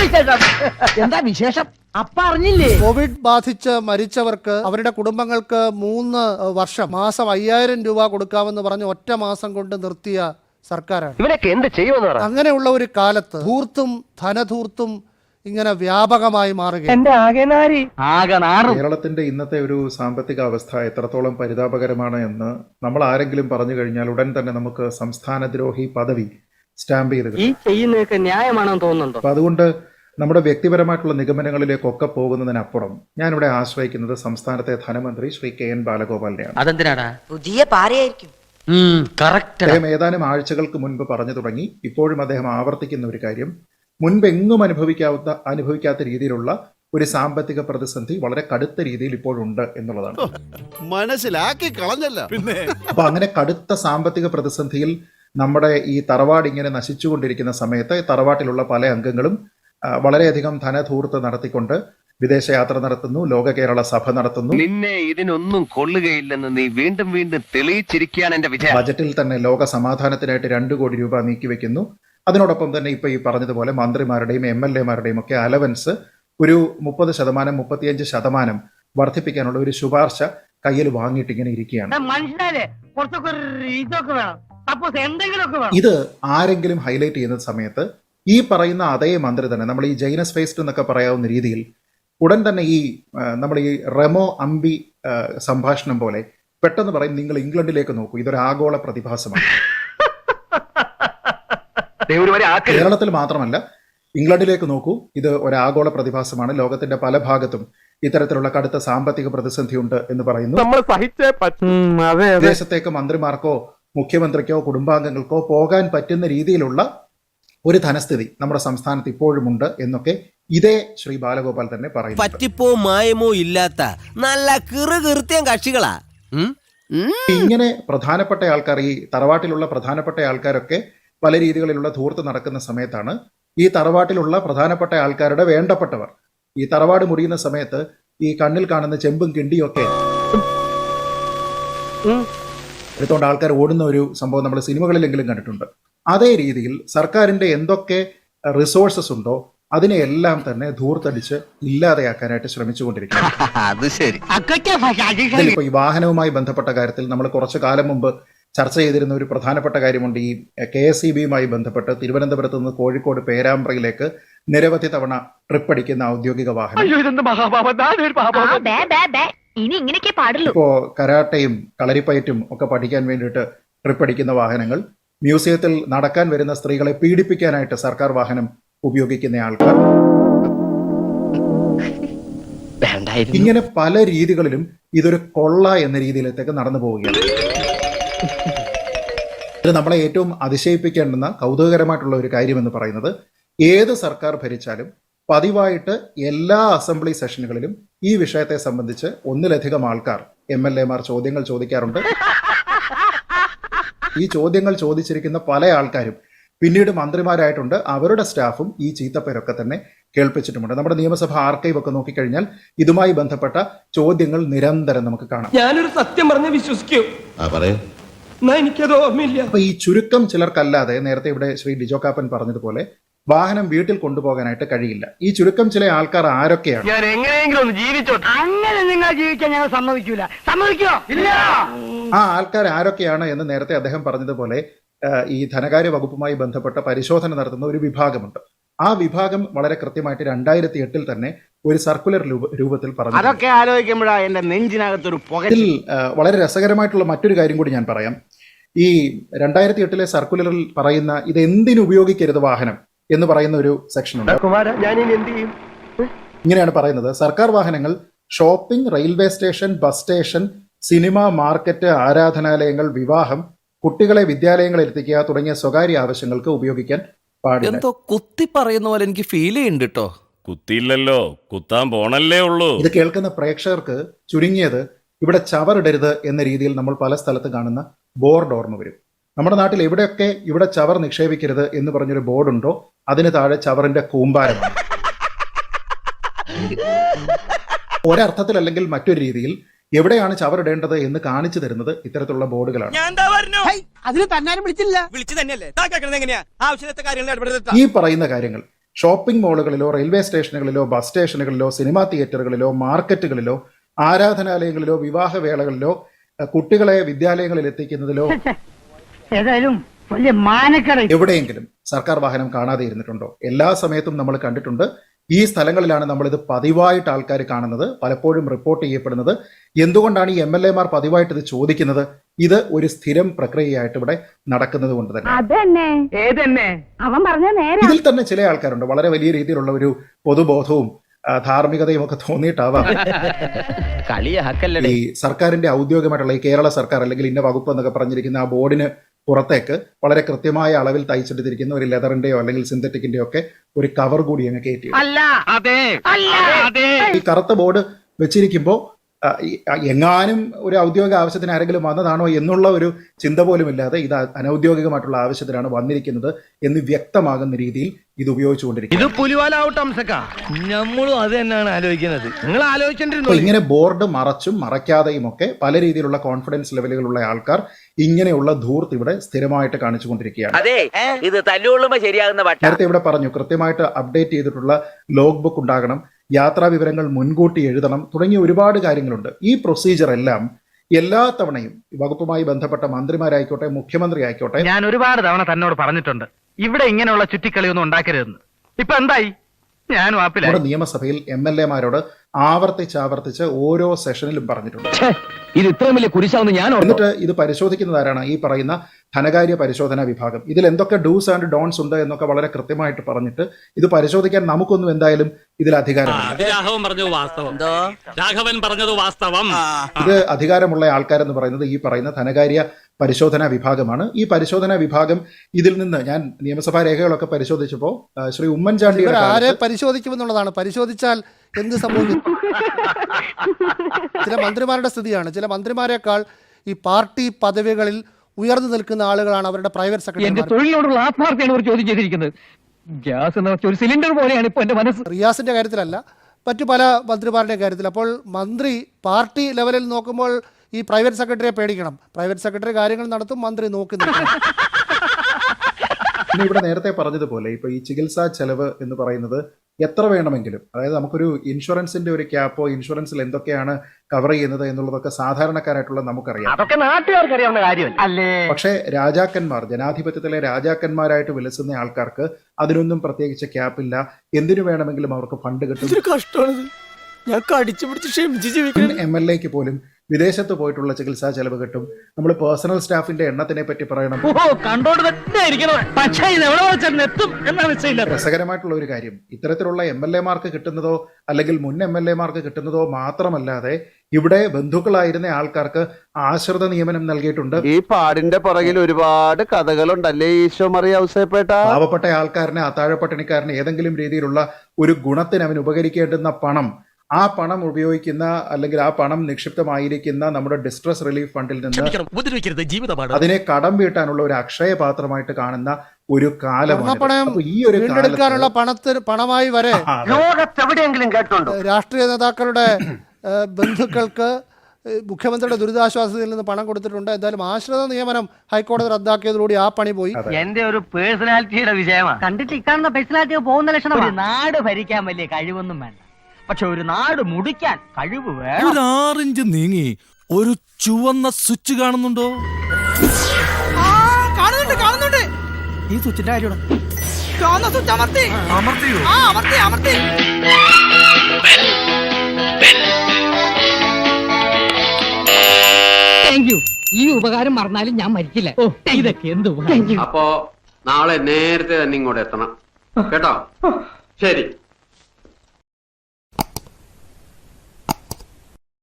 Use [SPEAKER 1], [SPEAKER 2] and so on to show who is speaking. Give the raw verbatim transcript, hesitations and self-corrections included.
[SPEAKER 1] എന്താ വിശേഷം? അപ്പ അറിഞ്ഞില്ലേ?
[SPEAKER 2] കോവിഡ് ബാധിച്ച് മരിച്ചവർക്ക് അവരുടെ കുടുംബങ്ങൾക്ക് മൂന്ന് വർഷം മാസം അയ്യായിരം രൂപ കൊടുക്കാമെന്ന് പറഞ്ഞ് ഒറ്റ മാസം കൊണ്ട് നിർത്തിയ സർക്കാരാണ്.
[SPEAKER 3] ഇവരൊക്കെ എന്ത് ചെയ്യുമെന്ന് പറ.
[SPEAKER 2] അങ്ങനെയുള്ള ഒരു കാലത്ത് ധൂർത്തും ധനധൂർത്തും ഇങ്ങനെ വ്യാപകമായി മാറുകയാണ്.
[SPEAKER 4] കേരളത്തിന്റെ ഇന്നത്തെ ഒരു സാമ്പത്തിക അവസ്ഥ എത്രത്തോളം പരിതാപകരമാണ് എന്ന് നമ്മൾ ആരെങ്കിലും പറഞ്ഞു കഴിഞ്ഞാൽ ഉടൻ തന്നെ നമുക്ക് സംസ്ഥാനദ്രോഹി പദവി സ്റ്റാമ്പ് ചെയ്ത്
[SPEAKER 3] ഈ ചെയ്യുന്നതൊക്കെ ന്യായമാണെന്ന് തോന്നുന്നുണ്ടോ?
[SPEAKER 4] അപ്പൊ അതുകൊണ്ട് നമ്മുടെ വ്യക്തിപരമായിട്ടുള്ള നിഗമനങ്ങളിലേക്കൊക്കെ പോകുന്നതിനപ്പുറം ഞാനിവിടെ ആശ്രയിക്കുന്നത് സംസ്ഥാനത്തെ ധനമന്ത്രി ശ്രീ കെ എൻ ബാലഗോപാലിനെയാണ്.
[SPEAKER 1] അതെന്തിനാടാ?
[SPEAKER 5] പുതിയ പാരയായിരിക്കും.
[SPEAKER 4] അദ്ദേഹം ഏതാനും ആഴ്ചകൾക്ക് മുൻപ് പറഞ്ഞു തുടങ്ങി, ഇപ്പോഴും അദ്ദേഹം ആവർത്തിക്കുന്ന ഒരു കാര്യം, മുൻപെങ്ങും അനുഭവിക്കാത്ത അനുഭവിക്കാത്ത രീതിയിലുള്ള ഒരു സാമ്പത്തിക പ്രതിസന്ധി വളരെ കടുത്ത രീതിയിൽ ഇപ്പോഴുണ്ട് എന്നുള്ളതാണ്.
[SPEAKER 6] മനസ്സിലാക്കി കളഞ്ഞല്ല പിന്നെ.
[SPEAKER 4] അപ്പൊ അങ്ങനെ കടുത്ത സാമ്പത്തിക പ്രതിസന്ധിയിൽ നമ്മുടെ ഈ തറവാട് ഇങ്ങനെ നശിച്ചുകൊണ്ടിരിക്കുന്ന സമയത്ത് തറവാട്ടിലുള്ള പല അംഗങ്ങളും വളരെയധികം ധനധൂർത്ത് നടത്തിക്കൊണ്ട് വിദേശയാത്ര നടത്തുന്നു, ലോക കേരള സഭ നടത്തുന്നു.
[SPEAKER 3] നിന്നെ ഇതിനൊന്നും കൊള്ളുകയില്ലെന്ന് നീ വീണ്ടും വീണ്ടും തെളിയിച്ചിരിക്കുകയാണ് എന്റെ വിജയം.
[SPEAKER 4] ബജറ്റിൽ തന്നെ ലോക സമാധാനത്തിനായിട്ട് രണ്ടു കോടി രൂപ നീക്കിവെക്കുന്നു. അതിനോടൊപ്പം തന്നെ ഇപ്പൊ ഈ പറഞ്ഞതുപോലെ മന്ത്രിമാരുടെയും എം എൽ എമാരുടെയും ഒക്കെ അലവൻസ് ഒരു മുപ്പത് ശതമാനം മുപ്പത്തിയഞ്ച് ശതമാനം വർദ്ധിപ്പിക്കാനുള്ള ഒരു ശുപാർശ കയ്യിൽ വാങ്ങിയിട്ട് ഇങ്ങനെ ഇരിക്കുകയാണ്. ഇത് ആരെങ്കിലും ഹൈലൈറ്റ് ചെയ്യുന്ന സമയത്ത് ഈ പറയുന്ന അതേ മന്ത്രി തന്നെ നമ്മൾ ഈ ജൈനസ് ഫേസ്റ്റ് എന്നൊക്കെ പറയാവുന്ന രീതിയിൽ ഉടൻ തന്നെ ഈ നമ്മൾ ഈ റെമോ അംബി സംഭാഷണം പോലെ പെട്ടെന്ന് പറയും, നിങ്ങൾ ഇംഗ്ലണ്ടിലേക്ക് നോക്കൂ, ഇതൊരു ആഗോള പ്രതിഭാസമാണ്. കേരളത്തിൽ മാത്രമല്ല, ഇംഗ്ലണ്ടിലേക്ക് നോക്കൂ, ഇത് ഒരു ആഗോള പ്രതിഭാസമാണ്. ലോകത്തിന്റെ പല ഭാഗത്തും ഇത്തരത്തിലുള്ള കടുത്ത സാമ്പത്തിക പ്രതിസന്ധി ഉണ്ട് എന്ന് പറയുന്നു. വിദേശത്തേക്ക് മന്ത്രിമാർക്കോ മുഖ്യമന്ത്രിക്കോ കുടുംബാംഗങ്ങൾക്കോ പോകാൻ പറ്റുന്ന രീതിയിലുള്ള ഒരു ധനസ്ഥിതി നമ്മുടെ സംസ്ഥാനത്ത് ഇപ്പോഴും ഉണ്ട് എന്നൊക്കെ ഇതേ ശ്രീ ബാലഗോപാൽ തന്നെ പറയുന്നു.
[SPEAKER 7] പറ്റിപ്പോ മായമോ ഇല്ലാത്ത നല്ല കിറുകീർത്തിയം കക്ഷികളാ.
[SPEAKER 4] ഇങ്ങനെ പ്രധാനപ്പെട്ട ആൾക്കാർ, ഈ തറവാട്ടിലുള്ള പ്രധാനപ്പെട്ട ആൾക്കാരൊക്കെ പല രീതികളിലുള്ള ധൂർത്ത് നടക്കുന്ന സമയത്താണ് ഈ തറവാട്ടിലുള്ള പ്രധാനപ്പെട്ട ആൾക്കാരുടെ വേണ്ടപ്പെട്ടവർ ഈ തറവാട് മുറിയുന്ന സമയത്ത് ഈ കണ്ണിൽ കാണുന്ന ചെമ്പും കിണ്ടിയും ഒക്കെ എടുത്തോണ്ട് ആൾക്കാർ ഓടുന്ന ഒരു സംഭവം നമ്മൾ സിനിമകളിലെങ്കിലും കണ്ടിട്ടുണ്ട്. അതേ രീതിയിൽ സർക്കാരിന്റെ എന്തൊക്കെ റിസോഴ്സസ് ഉണ്ടോ അതിനെയെല്ലാം തന്നെ ധൂർത്തടിച്ച് ഇല്ലാതെയാക്കാനായിട്ട് ശ്രമിച്ചുകൊണ്ടിരിക്കുകയാണ്. ഇതിലിപ്പോ ഈ വാഹനവുമായി ബന്ധപ്പെട്ട കാര്യത്തിൽ നമ്മൾ കുറച്ചു കാലം മുമ്പ് ചർച്ച ചെയ്തിരുന്ന ഒരു പ്രധാനപ്പെട്ട കാര്യമുണ്ട്. ഈ കെ എസ് ഇ ബിയുമായി ബന്ധപ്പെട്ട് തിരുവനന്തപുരത്ത് നിന്ന് കോഴിക്കോട് പേരാമ്പ്രയിലേക്ക് നിരവധി തവണ ട്രിപ്പ് അടിക്കുന്ന ഔദ്യോഗിക വാഹനം. ഇപ്പോ കരാട്ടയും കളരിപ്പയറ്റും ഒക്കെ പഠിക്കാൻ വേണ്ടിയിട്ട് ട്രിപ്പ് അടിക്കുന്ന വാഹനങ്ങൾ, മ്യൂസിയത്തിൽ നടക്കാൻ വരുന്ന സ്ത്രീകളെ പീഡിപ്പിക്കാനായിട്ട് സർക്കാർ വാഹനം ഉപയോഗിക്കുന്ന ആൾക്കാർ, ഇങ്ങനെ പല രീതികളിലും ഇതൊരു കൊള്ള എന്ന രീതിയിലേക്ക് നടന്നു പോവുകയാണ്. ഇത് നമ്മളെ ഏറ്റവും അതിശയിപ്പിക്കേണ്ടുന്ന കൗതുകകരമായിട്ടുള്ള ഒരു കാര്യമെന്ന് പറയുന്നത്, ഏത് സർക്കാർ ഭരിച്ചാലും പതിവായിട്ട് എല്ലാ അസംബ്ലി സെഷനുകളിലും ഈ വിഷയത്തെ സംബന്ധിച്ച് ഒന്നിലധികം ആൾക്കാർ എം എൽ എമാർ ചോദ്യങ്ങൾ ചോദിക്കാറുണ്ട്. ഈ ചോദ്യങ്ങൾ ചോദിച്ചിരിക്കുന്ന പല ആൾക്കാരും പിന്നീട് മന്ത്രിമാരായിട്ടുണ്ട്. അവരുടെ സ്റ്റാഫും ഈ ചീത്തപ്പേരൊക്കെ തന്നെ കേൾപ്പിച്ചിട്ടുമുണ്ട്. നമ്മുടെ നിയമസഭ ആർക്കൈവ് ഒക്കെ നോക്കിക്കഴിഞ്ഞാൽ ഇതുമായി ബന്ധപ്പെട്ട ചോദ്യങ്ങൾ നിരന്തരം നമുക്ക് കാണാം.
[SPEAKER 8] ഞാനൊരു സത്യം പറഞ്ഞ് വിശ്വസിക്കൂ, എനിക്കത് ഓർമ്മയില്ല.
[SPEAKER 4] അപ്പൊ ഈ ചുരുക്കം ചിലർക്കല്ലാതെ നേരത്തെ ഇവിടെ ശ്രീ ലിജോ കാപ്പൻ പറഞ്ഞതുപോലെ വാഹനം വീട്ടിൽ കൊണ്ടുപോകാനായിട്ട് കഴിയില്ല. ഈ ചുരുക്കം ചില ആൾക്കാർ ആരൊക്കെയാണ്?
[SPEAKER 3] ഞാൻ എങ്ങനെയെങ്കിലും ഒന്ന് ജീവിച്ചോട്ടെ. അങ്ങനെ നിങ്ങൾ ജീവിക്കാൻ ഞങ്ങൾ സമ്മതിക്കൂല. സമ്മതിക്കോ? ഇല്ല.
[SPEAKER 4] ആ ആൾക്കാർ ആരൊക്കെയാണ് എന്ന് നേരത്തെ അദ്ദേഹം പറഞ്ഞതുപോലെ ഈ ധനകാര്യ വകുപ്പുമായി ബന്ധപ്പെട്ട പരിശോധന നടത്തുന്ന ഒരു വിഭാഗമുണ്ട്. ആ വിഭാഗം വളരെ കൃത്യമായിട്ട് രണ്ടായിരത്തി എട്ടിൽ തന്നെ ഒരു സർക്കുലർ രൂപത്തിൽ പറഞ്ഞു.
[SPEAKER 1] അതൊക്കെ ആലോചിക്കുമ്പോഴാ എന്റെ നെഞ്ചിനകത്തൊരു
[SPEAKER 4] ഇതിൽ വളരെ രസകരമായിട്ടുള്ള മറ്റൊരു കാര്യം കൂടി ഞാൻ പറയാം. ഈ രണ്ടായിരത്തി എട്ടിലെ സർക്കുലറിൽ പറയുന്ന ഇത് എന്തിനു ഉപയോഗിക്കരുത് വാഹനം എന്ന് പറയുന്ന ഒരു സെക്ഷൻ ഉണ്ട്. ഇങ്ങനെയാണ് പറയുന്നത്: സർക്കാർ വാഹനങ്ങൾ shopping, railway station, bus station, cinema, market, ആരാധനാലയങ്ങൾ, വിവാഹം, കുട്ടികളെ വിദ്യാലയങ്ങളിൽ എത്തിക്കുക തുടങ്ങിയ സ്വകാര്യ ആവശ്യങ്ങൾക്ക് ഉപയോഗിക്കാൻ പാടില്ല.
[SPEAKER 7] എന്തോ കുത്തി പറയുന്ന പോലെ എനിക്ക് ഫീൽ ചെയ്യുന്നുണ്ട് കേട്ടോ.
[SPEAKER 9] കുത്തിയില്ലല്ലോ, കുത്താൻ പോണല്ലേ ഉള്ളൂ.
[SPEAKER 4] ഇത് കേൾക്കുന്ന പ്രേക്ഷകർക്ക് ചുരുങ്ങിയത് ഇവിടെ ചവറിടരുത് എന്ന രീതിയിൽ നമ്മൾ പല സ്ഥലത്ത് കാണുന്ന ബോർഡ് ഓർമ്മ വരും. നമ്മുടെ നാട്ടിൽ എവിടെയൊക്കെ ഇവിടെ ചവർ നിക്ഷേപിക്കരുത് എന്ന് പറഞ്ഞൊരു ബോർഡുണ്ടോ അതിന് താഴെ ചവറിന്റെ കൂമ്പാരമാണ്. ഒരർത്ഥത്തിൽ അല്ലെങ്കിൽ മറ്റൊരു രീതിയിൽ എവിടെയാണ് ചവറിടേണ്ടത് എന്ന് കാണിച്ചു തരുന്നത് ഇത്തരത്തിലുള്ള ബോർഡുകളാണ്. ഈ പറയുന്ന കാര്യങ്ങൾ ഷോപ്പിംഗ് മാളുകളിലോ റെയിൽവേ സ്റ്റേഷനുകളിലോ ബസ് സ്റ്റേഷനുകളിലോ സിനിമാ തിയേറ്ററുകളിലോ മാർക്കറ്റുകളിലോ ആരാധനാലയങ്ങളിലോ വിവാഹവേളകളിലോ അഹ് കുട്ടികളെ വിദ്യാലയങ്ങളിൽ എത്തിക്കുന്നതിലോ
[SPEAKER 3] ഏതായാലും വലിയ മാനക്കട.
[SPEAKER 4] എവിടെയെങ്കിലും സർക്കാർ വാഹനം കാണാതെ ഇരുന്നിട്ടുണ്ടോ? എല്ലാ സമയത്തും നമ്മൾ കണ്ടിട്ടുണ്ട്. ഈ സ്ഥലങ്ങളിലാണ് നമ്മളിത് പതിവായിട്ട് ആൾക്കാർ കാണുന്നത്, പലപ്പോഴും റിപ്പോർട്ട് ചെയ്യപ്പെടുന്നത്. എന്തുകൊണ്ടാണ് ഈ എം എൽ എമാർ പതിവായിട്ട് ഇത് ചോദിക്കുന്നത്? ഇത് ഒരു സ്ഥിരം പ്രക്രിയയായിട്ട് ഇവിടെ നടക്കുന്നത് കൊണ്ട് തന്നെ.
[SPEAKER 5] അതന്നെ
[SPEAKER 3] ഏതെന്നെ
[SPEAKER 5] അവൻ പറഞ്ഞ നേരെ.
[SPEAKER 4] ഇതിൽ തന്നെ ചില ആൾക്കാരുണ്ട് വളരെ വലിയ രീതിയിലുള്ള ഒരു പൊതുബോധവും ആ, ധാർമ്മികതയും ഒക്കെ തോന്നിയിട്ടാവാം ഈ സർക്കാരിന്റെ ഔദ്യോഗികമായിട്ടുള്ള ഈ കേരള സർക്കാർ അല്ലെങ്കിൽ ഇന്ന വകുപ്പ് എന്നൊക്കെ പറഞ്ഞിരിക്കുന്ന ആ ബോർഡിന് പുറത്തേക്ക് വളരെ കൃത്യമായ അളവിൽ തയ്ച്ചെടുത്തിരിക്കുന്ന ഒരു ലെതറിന്റെയോ അല്ലെങ്കിൽ സിന്തറ്റിക്കിന്റെയോ ഒക്കെ ഒരു കവർ കൂടി അങ്ങ് കയറ്റി.
[SPEAKER 3] അല്ല അതെ അല്ല അതെ
[SPEAKER 4] ഈ കറുത്ത ബോർഡ് വെച്ചിരിക്കുമ്പോൾ എങ്ങാനും ഒരു ഔദ്യോഗിക ആവശ്യത്തിന് ആരെങ്കിലും വന്നതാണോ എന്നുള്ള ഒരു ചിന്ത പോലും ഇല്ലാതെ ഇത് അനൌദ്യോഗികമായിട്ടുള്ള ആവശ്യത്തിനാണ് വന്നിരിക്കുന്നത് എന്ന് വ്യക്തമാകുന്ന രീതിയിൽ ഇത് ഉപയോഗിച്ചുകൊണ്ടിരിക്കുന്നത്.
[SPEAKER 3] ഇത് പുലിവാലാവട്ടെ അംസക്ക, നമ്മളും അത് തന്നെയാണ് ആലോചിക്കുന്നത്. നിങ്ങൾ
[SPEAKER 4] അപ്പൊ
[SPEAKER 3] ആലോചിച്ചിട്ടുണ്ടോ?
[SPEAKER 4] ഇങ്ങനെ ബോർഡ് മറച്ചും മറയ്ക്കാതെയും ഒക്കെ പല രീതിയിലുള്ള കോൺഫിഡൻസ് ലെവലുകളുള്ള ആൾക്കാർ ഇങ്ങനെയുള്ള ധൂർത്ത് ഇവിടെ സ്ഥിരമായിട്ട് കാണിച്ചുകൊണ്ടിരിക്കുകയാണ്.
[SPEAKER 7] അതെ ഇത് തല്ലുകൊള്ളുമ്പോ ശരിയാകുന്ന വട്ട
[SPEAKER 4] നേരത്തെ ഇവിടെ പറഞ്ഞു കൃത്യമായിട്ട് അപ്ഡേറ്റ് ചെയ്തിട്ടുള്ള ലോഗ് ബുക്ക് ഉണ്ടാകണം, യാത്രാ വിവരങ്ങൾ മുൻകൂട്ടി എഴുതണം തുടങ്ങിയ ഒരുപാട് കാര്യങ്ങളുണ്ട്. ഈ പ്രൊസീജിയർ എല്ലാം എല്ലാ തവണയും വകുപ്പുമായി ബന്ധപ്പെട്ട മന്ത്രിമാരായിക്കോട്ടെ മുഖ്യമന്ത്രി ആയിക്കോട്ടെ
[SPEAKER 3] ഞാൻ ഒരുപാട് തവണ തന്നോട് പറഞ്ഞിട്ടുണ്ട് ഇവിടെ ഇങ്ങനെയുള്ള ചുറ്റിക്കളിയൊന്നും ഉണ്ടാക്കരുതെന്ന്. ഇപ്പൊ എന്തായി? ഞാൻ വാപ്പിലായി.
[SPEAKER 4] നമ്മുടെ നിയമസഭയിൽ എം എൽ എമാരോട് ആവർത്തിച്ച് ആവർത്തിച്ച് ഓരോ സെഷനിലും പറഞ്ഞിട്ടുണ്ട്.
[SPEAKER 3] ഇത് ഇത്രയും വലിയ കുരിശാവുന്ന ഞാൻ
[SPEAKER 4] എന്നിട്ട് ഇത് പരിശോധിക്കുന്നത് ആരാണ്? ഈ പറയുന്ന ധനകാര്യ പരിശോധനാ വിഭാഗം. ഇതിൽ എന്തൊക്കെ ഡൂസ് ആൻഡ് ഡോൺസ് ഉണ്ട് എന്നൊക്കെ വളരെ കൃത്യമായിട്ട് പറഞ്ഞിട്ട് ഇത് പരിശോധിക്കാൻ നമുക്കൊന്നും എന്തായാലും ഇതിൽ അധികാരമില്ല.
[SPEAKER 8] രാഘവൻ പറഞ്ഞത് വാസ്തവം.
[SPEAKER 4] ഇത് അധികാരമുള്ള ആൾക്കാരെന്ന് പറയുന്നത് ഈ പറയുന്ന ധനകാര്യ പരിശോധനാ വിഭാഗമാണ്. ഈ പരിശോധനാ വിഭാഗം ഇതിൽ നിന്ന് ഞാൻ നിയമസഭാ രേഖകളൊക്കെ പരിശോധിച്ചപ്പോൾ ശ്രീ ഉമ്മൻചാണ്ടിയുടെ
[SPEAKER 2] ആരെ പരിശോധിക്കുമെന്നുള്ളതാണ്. പരിശോധിച്ചാൽ എന്ത് സംഭവിക്കും? ചില മന്ത്രിമാരുടെ സ്ഥിതിയാണ്. ചില മന്ത്രിമാരെക്കാൾ ഈ പാർട്ടി പദവികളിൽ ഉയർന്നു നിൽക്കുന്ന ആളുകളാണ് അവരുടെ പ്രൈവറ്റ്
[SPEAKER 3] എന്റെ
[SPEAKER 2] സെക്രട്ടറി.
[SPEAKER 3] തൊഴിലിനോടുള്ള ആത്മാർത്ഥയാണ് ഒരു ചോദ്യം ചെയ്തിരിക്കുന്നത്. ഗ്യാസ് എന്ന് വെച്ച ഒരു സിലിണ്ടർ പോലെയാണ് ഇപ്പൊ എന്റെ മനസ്സ്.
[SPEAKER 2] റിയാസിന്റെ കാര്യത്തിലല്ല, മറ്റു പല മന്ത്രിമാരുടെയും കാര്യത്തിൽ. അപ്പോൾ മന്ത്രി പാർട്ടി ലെവലിൽ നോക്കുമ്പോൾ ഈ പ്രൈവറ്റ് സെക്രട്ടറിയെ പേടിക്കണം. പ്രൈവറ്റ് സെക്രട്ടറി കാര്യങ്ങൾ നടത്തും, മന്ത്രി നോക്കി നിൽക്കണം.
[SPEAKER 4] പിന്നെ ഇവിടെ നേരത്തെ പറഞ്ഞതുപോലെ ഇപ്പൊ ഈ ചികിത്സാ ചെലവ് എന്ന് പറയുന്നത് എത്ര വേണമെങ്കിലും, അതായത് നമുക്കൊരു ഇൻഷുറൻസിന്റെ ഒരു ക്യാപ്പോ ഇൻഷുറൻസിൽ എന്തൊക്കെയാണ് കവർ ചെയ്യുന്നത് എന്നുള്ളതൊക്കെ സാധാരണക്കാരായിട്ടുള്ള നമുക്കറിയാം.
[SPEAKER 3] അതൊക്കെ നാട്ടുകാർക്ക് അറിയാവുന്ന കാര്യമല്ല അല്ലേ?
[SPEAKER 4] പക്ഷേ രാജാക്കന്മാർ, ജനാധിപത്യത്തിലെ രാജാക്കന്മാരായിട്ട് വിലസുന്ന ആൾക്കാർക്ക് അതിനൊന്നും പ്രത്യേകിച്ച് ക്യാപ്പില്ല. എന്തിനു വേണമെങ്കിലും അവർക്ക് ഫണ്ട് കിട്ടും.
[SPEAKER 7] കഷ്ടമാണിത്. ഞാൻ കടിച്ചു പിടിച്ച് ക്ഷമിച്ച് ജീവിക്കണം.
[SPEAKER 4] എം എൽ എക്ക് പോലും വിദേശത്ത് പോയിട്ടുള്ള ചികിത്സാ ചെലവ് കിട്ടും. നമ്മൾ പേഴ്സണൽ സ്റ്റാഫിന്റെ എണ്ണത്തിനെ പറ്റി പറയണം. രസകരമായിട്ടുള്ള ഒരു കാര്യം, ഇത്തരത്തിലുള്ള എം എൽ എമാർക്ക് കിട്ടുന്നതോ അല്ലെങ്കിൽ മുൻ എം എൽ എമാർക്ക് കിട്ടുന്നതോ മാത്രമല്ലാതെ ഇവിടെ ബന്ധുക്കളായിരുന്ന ആൾക്കാർക്ക് ആശ്രിത നിയമനം നൽകിയിട്ടുണ്ട്.
[SPEAKER 6] ഈ പാടിന്റെ പുറകിൽ ഒരുപാട് കഥകളുണ്ടല്ലേ ഈശോ മറിയ ഔസേപ്പേട്ട.
[SPEAKER 4] പാവപ്പെട്ട ആൾക്കാരനെ, അത്താഴപ്പട്ടിണിക്കാരനെ ഏതെങ്കിലും രീതിയിലുള്ള ഒരു ഗുണത്തിന് അവൻ ഉപകരിക്കേണ്ടുന്ന പണം, ആ പണം ഉപയോഗിക്കുന്ന അല്ലെങ്കിൽ ആ പണം നിക്ഷിപ്തമായിരിക്കുന്ന നമ്മുടെ ഡിസ്ട്രസ് റിലീഫ് ഫണ്ടിൽ നിന്ന് അതിനെ കടം വീട്ടാനുള്ള ഒരു അക്ഷയപാത്രമായിട്ട് കാണുന്ന ഒരു കാലമാണ്. ഈ ഒരു
[SPEAKER 2] വീണ്ടെടുക്കാനുള്ള പണത്തിന് പണമായി വരെ
[SPEAKER 3] ലോകത്തെവിടെയെങ്കിലും കേട്ടുണ്ടോ
[SPEAKER 2] രാഷ്ട്രീയ നേതാക്കളുടെ ബന്ധുക്കൾക്ക് മുഖ്യമന്ത്രിയുടെ ദുരിതാശ്വാസത്തിൽ നിന്ന് പണം കൊടുത്തിട്ടുണ്ട്. എന്തായാലും ആശ്രിത നിയമനം ഹൈക്കോടതി റദ്ദാക്കിയതോടുകൂടി ആ പണി പോയി.
[SPEAKER 3] എന്റെ ഒരു പേഴ്സണാലിറ്റിയുടെ വിജയമാണ്. കണ്ടിട്ട് ഇക്കാണുന്ന പേഴ്സണാലിറ്റി പോകുന്ന ലക്ഷണം. ഒരു നാട് ഭരിക്കാൻ വലിയ കഴിവൊന്നും വേണ്ട, പക്ഷെ ഒരു നാട് മുടിക്കാൻ കഴിവ് വേണം.
[SPEAKER 6] ഒരു ആറിഞ്ച് നീങ്ങി ഒരു ചുവന്ന സ്വിച്ച് കാണുന്നുണ്ടോ?
[SPEAKER 7] കാണുന്നുണ്ട് കാണുന്നുണ്ട്.
[SPEAKER 6] ഈ സ്വിച്ചിന്റെ കാര്യമാണ്.
[SPEAKER 7] ചുവന്ന സ്വിച്ച് അമർത്തി
[SPEAKER 6] അമർത്തിയോ?
[SPEAKER 7] ആ അമർത്തി അമർത്തി.
[SPEAKER 3] Thank you. ഈ ഉപകാരം മറന്നാലും ഞാൻ മരിക്കില്ല. ഇതൊക്കെ എന്ത്
[SPEAKER 10] അപ്പോ നാളെ നേരത്തെ തന്നെ ഇങ്ങോട്ട് എത്തണം കേട്ടോ. ശരി.